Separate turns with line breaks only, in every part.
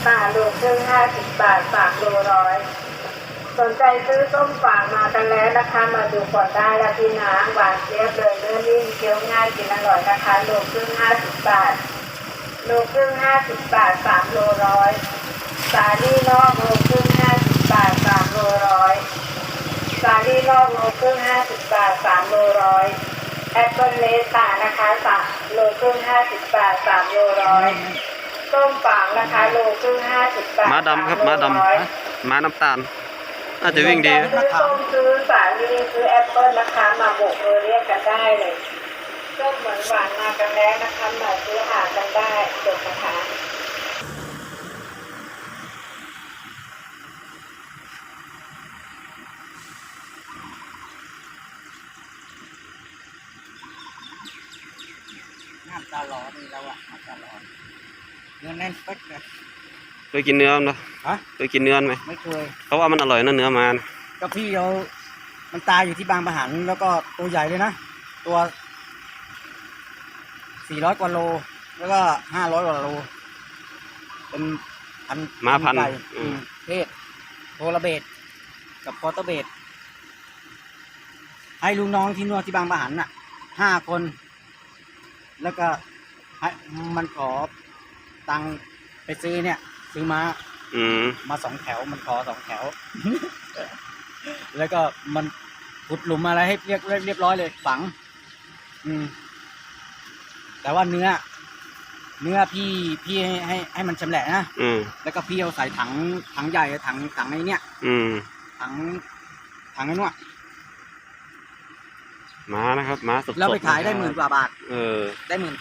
ป่าโลครึ่ง50 บาท3 โล 100สนใจซื้อส้มฝางมากันแล้วนะคะมาดูก่อนได้ละพี่น้ำหวานเจี๊ยบเลยเนื้อนิ่มเคี้ยวง่ายกินอร่อยนะคะโลครึ่ง50 บาทโลครึ่ง50 บาท3 โล 100สาลี่นอกโลครึ่ง50 บาท3 โล 100สาลี่นอกโลครึ่ง50 บาท3 โล 100แอปเปิลเลสตานะคะ3 โลครึ่ง50 บาท3 โล 100ส้มฝางนะคะโลครึ่ง50 บาท
ม้าดำครับม้าดำม้าน้ำตาลน่าจะวิ่งดี
ซื้อส้มซื้อสาลี่ซื้อแอปเปิลนะคะมาโบกเรียกกันได้เลยส้มเหมือนหวานมากันแล้วนะคะมาซื้อหากันได้จบนะคะ
น้ำตาหลอนนี่แล้วอะน้ำตาหลอนเนื้อแน่นปึ๊กเลย
เคยกินเนื้อมั้ย
ฮะ
เคยกินเนื้อไหม
ไม่เคย
เขาว่ามันอร่อยนะเนื้อมัน
ก็พี่เอามันตายอยู่ที่บางปะหันแล้วก็ตัวใหญ่เลยนะตัว400 กว่าโลแล้วก็500 กว่าโลเป็นพัน
ม้าพัน
เพศโทรเบตกับคอร์เตอร์เบตให้ลูกน้องที่นวดที่บางปะหันน่ะ5 คนแล้วก็ให้มันขอตังไปซื้อเนี่ยซื้อมา2 แถวมันขอ2 แถว แล้วก็มันขุดหลุมอะไรให้เรียบร้อยเลยฝังแต่ว่าเนื้อพี่ให้มันชำแหละนะแล้วก็พี่เอาใส่ถังใหญ่ถังไอ้เนี่ยถังไอ้นวด
ม้านะครับม้าสดๆ
แล้วไปขายได้10,000 กว่าบาทได้18,000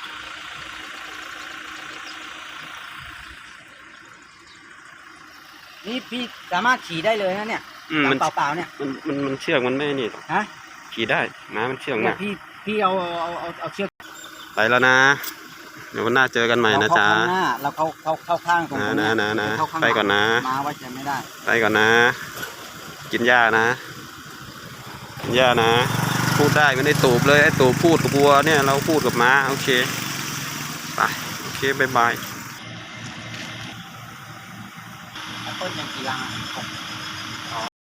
นี่พี่สามารถขี่ได้เลยนะเนี่ยมันเปล่าๆเนี่ย
มันเชือกมันไม่นี่
ฮะ
ขี่ได้ม้ามันเชือกนะ
พี่เอาเชือก
ไปแล้วนะเดี๋ยววันหน้าเจอกันใหม่นะจ๊ะ
เราเข้าข้างตรงนี้
นะไปก่อนนะ
มาไว้ใจไม่ได้
ไปก่อนนะกินหญ้านะกินหญ้านะพูดได้ไม่ได้ตูบเลยไอ้ตูบพูดกับวัวเนี่ยเราพูดกับม้าโอเคไปโอเคบายบาย
ต้นยังกี่ลัง